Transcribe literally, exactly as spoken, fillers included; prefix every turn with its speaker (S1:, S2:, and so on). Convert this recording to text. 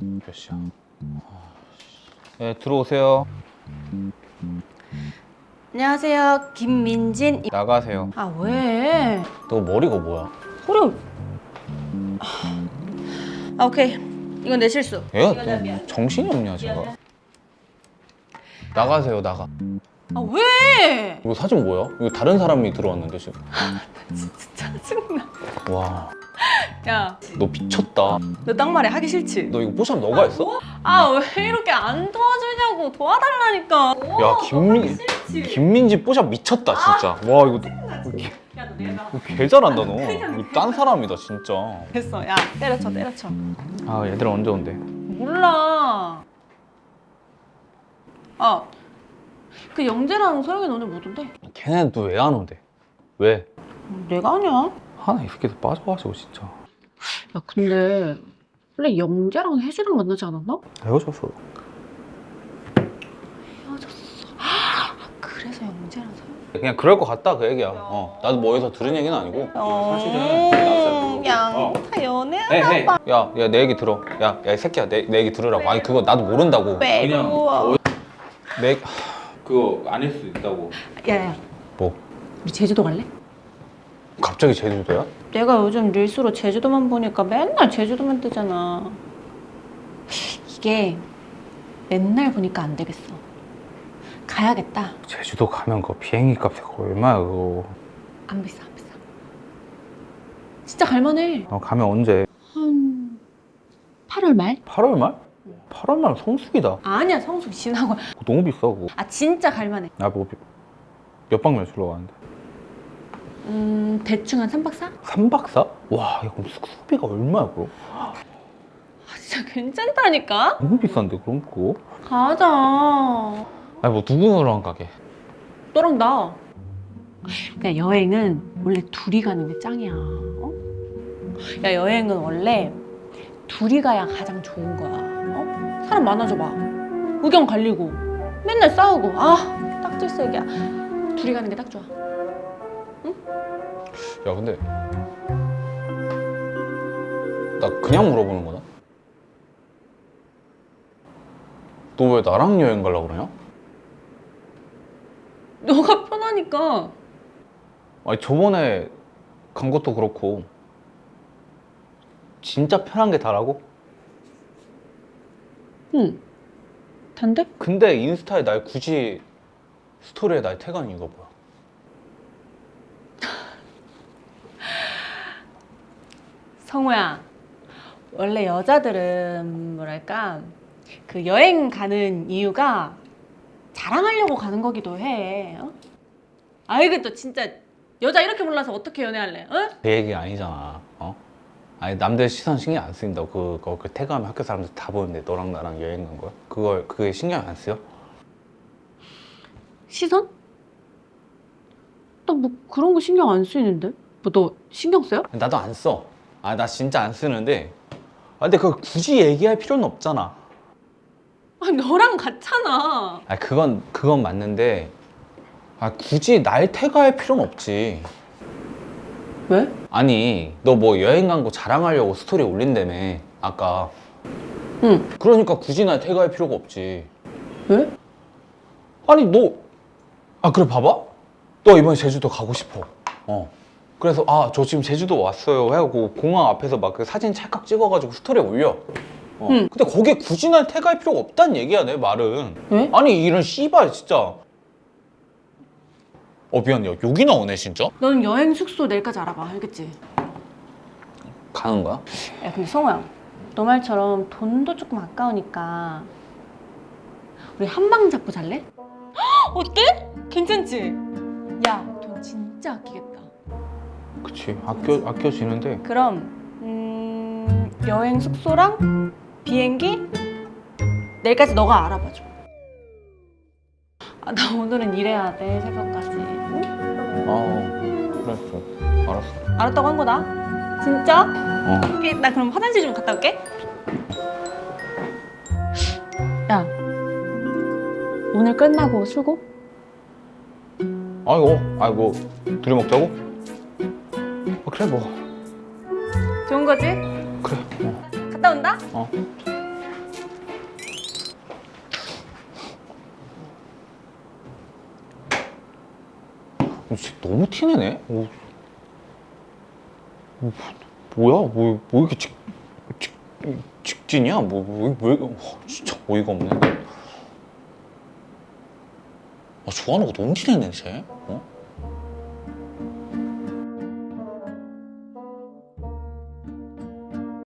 S1: 몇 시야? 네, 들어오세요.
S2: 안녕하세요, 김민진.
S1: 나가세요.
S2: 아 왜?
S1: 너 머리가 뭐야?
S2: 소리. 아 오케이. 이건 내 실수.
S1: 얘가
S2: 이건 내 미안.
S1: 너 정신이 없냐 제가? 나가세요 나가.
S2: 아 왜?
S1: 이거 사진 뭐야? 이거 다른 사람이 들어왔는데 지금.
S2: 진짜 짜증나.
S1: 와,
S2: 야,
S1: 너 미쳤다.
S2: 너 딱 말해. 하기 싫지?
S1: 너 이거 뽀샵 너가 했어?
S2: 아 왜 이렇게 안 도와주냐고. 도와달라니까.
S1: 야 김민 김민지 뽀샵 미쳤다 진짜. 와 이거
S2: 야 너 내가.
S1: 너 개 잘한다 너. 이거 딴 사람이다 진짜.
S2: 됐어. 야 때려쳐 때려쳐.
S1: 아 얘들 언제 온대?
S2: 몰라. 아. 그 영재랑 소영이 오늘 못 온대.
S1: 걔네는 또 왜 안 온대? 왜?
S2: 내가 아니야.
S1: 하나 이 새끼들 빠져가지고 진짜.
S2: 야 근데 원래 영재랑 혜주랑 만나지 않았나?
S1: 헤어졌어.
S2: 헤어졌어. 아, 그래서 영재랑 소영.
S1: 그냥 그럴 것 같다 그 얘기야. 어, 나도 뭐 어디서 들은 얘기는 아니고. 사실은
S2: 그냥
S1: 어.
S2: 다 연애하나
S1: 에헤.
S2: 봐.
S1: 야, 야, 내 얘기 들어. 야, 야, 이 새끼야, 내, 내 얘기 들으라고. 아니, 그거 나도 모른다고.
S2: 외로워.
S1: 내, 그거 아닐 수 있다고.
S2: 야야,
S1: 뭐?
S2: 우리 제주도 갈래?
S1: 갑자기 제주도야?
S2: 내가 요즘 릴스로 제주도만 보니까 맨날 제주도만 뜨잖아. 이게 맨날 보니까 안 되겠어. 가야겠다.
S1: 제주도 가면 그 비행기 값이 얼마야, 그거.
S2: 안 비싸, 안 비싸. 진짜 갈만해.
S1: 어, 가면 언제?
S2: 한 팔월 말?
S1: 팔월 말? 팔월 말 성수기다.
S2: 아니야, 성수 지나고.
S1: 그거 너무 비싸, 그거.
S2: 아 진짜 갈만해.
S1: 나 뭐, 몇 박 며칠로 가는데?
S2: 음 대충 한 삼 박 사?
S1: 삼 박 사? 와, 야, 그럼 숙소비가 얼마야, 그거?
S2: 아 진짜 괜찮다니까?
S1: 너무 비싼데, 그럼 그거?
S2: 가자.
S1: 아니, 뭐, 누구랑 가게?
S2: 너랑 나. 야 여행은 원래 둘이 가는 게 짱이야. 어? 야 여행은 원래 둘이 가야 가장 좋은 거야. 어? 사람 많아져 봐. 의견 갈리고 맨날 싸우고 아 딱질색이야. 둘이 가는 게 딱 좋아.
S1: 야, 근데. 나 그냥 물어보는 거다? 너 왜 나랑 여행 가려고 그러냐?
S2: 너가 편하니까.
S1: 아니 저번에 간 것도 그렇고 진짜 편한 게 다라고?
S2: 응. 단데?
S1: 근데 인스타에 날 굳이 스토리에 날 태가는 이유가 뭐야?
S2: 성우야. 원래 여자들은 뭐랄까 그 여행 가는 이유가 자랑하려고 가는 거기도 해. 어? 아 이게 또 진짜 여자 이렇게 몰라서 어떻게 연애할래? 어?
S1: 그 얘기가 아니잖아. 어? 아니 남들 시선 신경 안 쓰인다고. 그거 그 태그하면 학교 사람들 다 보는데 너랑 나랑 여행 간 거야? 그걸 그게 신경 안 쓰여?
S2: 시선? 나 뭐 그런 거 신경 안 쓰이는데? 뭐 너 신경 써요?
S1: 나도 안 써. 아 나 진짜 안 쓰는데. 아 근데 그걸 굳이 얘기할 필요는 없잖아.
S2: 아 너랑 같잖아.
S1: 아 그건 그건 맞는데. 아 굳이 날 태그할 필요는 없지.
S2: 왜?
S1: 아니 너 뭐 여행 간 거 자랑하려고 스토리 올린다며 아까.
S2: 응.
S1: 그러니까 굳이 날 태그할 필요가 없지.
S2: 왜?
S1: 아니 너 아 그래 봐봐. 너 이번에 제주도 가고 싶어. 어 그래서 아 저 지금 제주도 왔어요 하고 공항 앞에서 막 그 사진 찰칵 찍어가지고 스토리에 올려. 어.
S2: 응.
S1: 근데 거기에 굳이 날 태그할 필요가 없다는 얘기야 내 말은.
S2: 왜?
S1: 아니 이런 씨발 진짜. 어 미안 야 욕이 나오네 진짜.
S2: 너는 여행 숙소 내일까지 알아봐. 알겠지?
S1: 가는 거야?
S2: 야 근데 성우야 너 말처럼 돈도 조금 아까우니까 우리 한 방 잡고 잘래? 헉, 어때? 괜찮지? 야 돈 진짜 아끼겠다.
S1: 그치 아껴 아껴지는데.
S2: 그럼 음, 여행 숙소랑 비행기 내일까지 너가 알아봐줘. 아, 나 오늘은 일해야 돼 새벽까지. 응?
S1: 아 그랬어. 알았어.
S2: 알았다고 한 거다. 진짜?
S1: 어.
S2: 오케이, 나 그럼 화장실 좀 갔다 올게. 야, 오늘 끝나고 술고?
S1: 아이고 아이고 둘이 먹자고? 아, 그래 뭐
S2: 좋은 거지?
S1: 그래. 어.
S2: 갔다 온다?
S1: 어. 진짜 너무 티내네. 어, 뭐, 뭐야? 뭐, 뭐 이렇게 직, 직, 직진이야? 뭐, 뭐, 왜, 와, 진짜 어이가 없네. 아, 좋아하는 거 너무 티내네, 쟤. 어?